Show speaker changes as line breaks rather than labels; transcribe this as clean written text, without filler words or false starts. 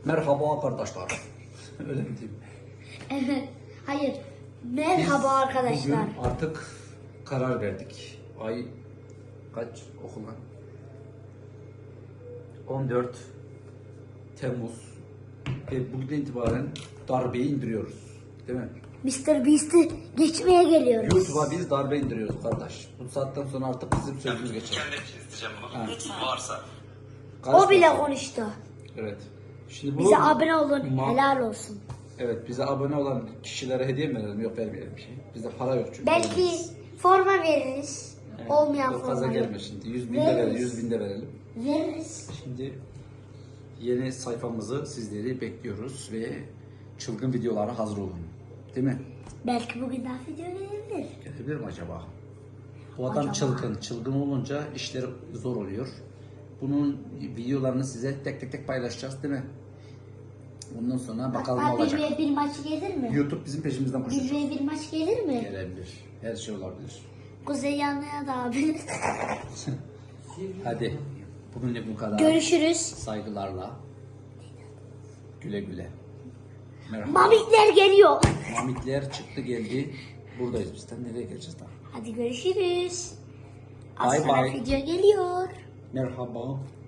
Merhaba arkadaşlar. Öyle mi diyeyim?
Evet. Hayır. Merhaba
Biz
arkadaşlar.
bugün artık karar verdik. Ay kaç okulan? 14 Temmuz. Ve bugün itibaren darbeyi indiriyoruz. Değil mi?
Mr. Beast'i geçmeye geliyoruz.
YouTube'a biz darbe indiriyoruz kardeş. Bu saatten sonra artık bizim sözümüz geçer.
Kendi için isteyeceğim bunu.
Ha.
Varsa.
O bile konuştu.
Evet. Şimdi bu
Bize abone olun.
Ma-
Helal olsun.
Evet, bize abone olan kişilere hediye mi verelim? Yok, vermeyelim bir şey. Bizde para yok çünkü.
Belki forma veririz.
Evet,
Olmayan
o kaza
forma
gelme şimdi. 100 bin de
Veririz.
verelim, 100 bin de verelim.
veririz.
Şimdi yeni sayfamızı sizleri bekliyoruz ve çılgın videolara hazır olun. Değil mi?
Belki bugün daha video gelebilir.
Gelebilir mi acaba? Bu adam
Acaba?
çılgın. Çılgın olunca işleri zor oluyor. Bunun videolarını size tek tek paylaşacağız, değil mi? Bundan sonra bakalım ne
Hatta
olacak.
1v1 maç gelir mi?
YouTube bizim peşimizden koşacak.
1v1 maç gelir mi?
Gelebilir. Her şey olabilir.
Kuzey yanına da abi.
Hadi. Bugünlük bu kadar.
Görüşürüz.
Saygılarla. Güle güle. Merhaba.
Mamitler geliyor.
Mamitler çıktı geldi. Buradayız biz. Nereye geleceğiz daha?
Hadi görüşürüz. Az
Bye
sonra
bye.
video geliyor.
Merhaba.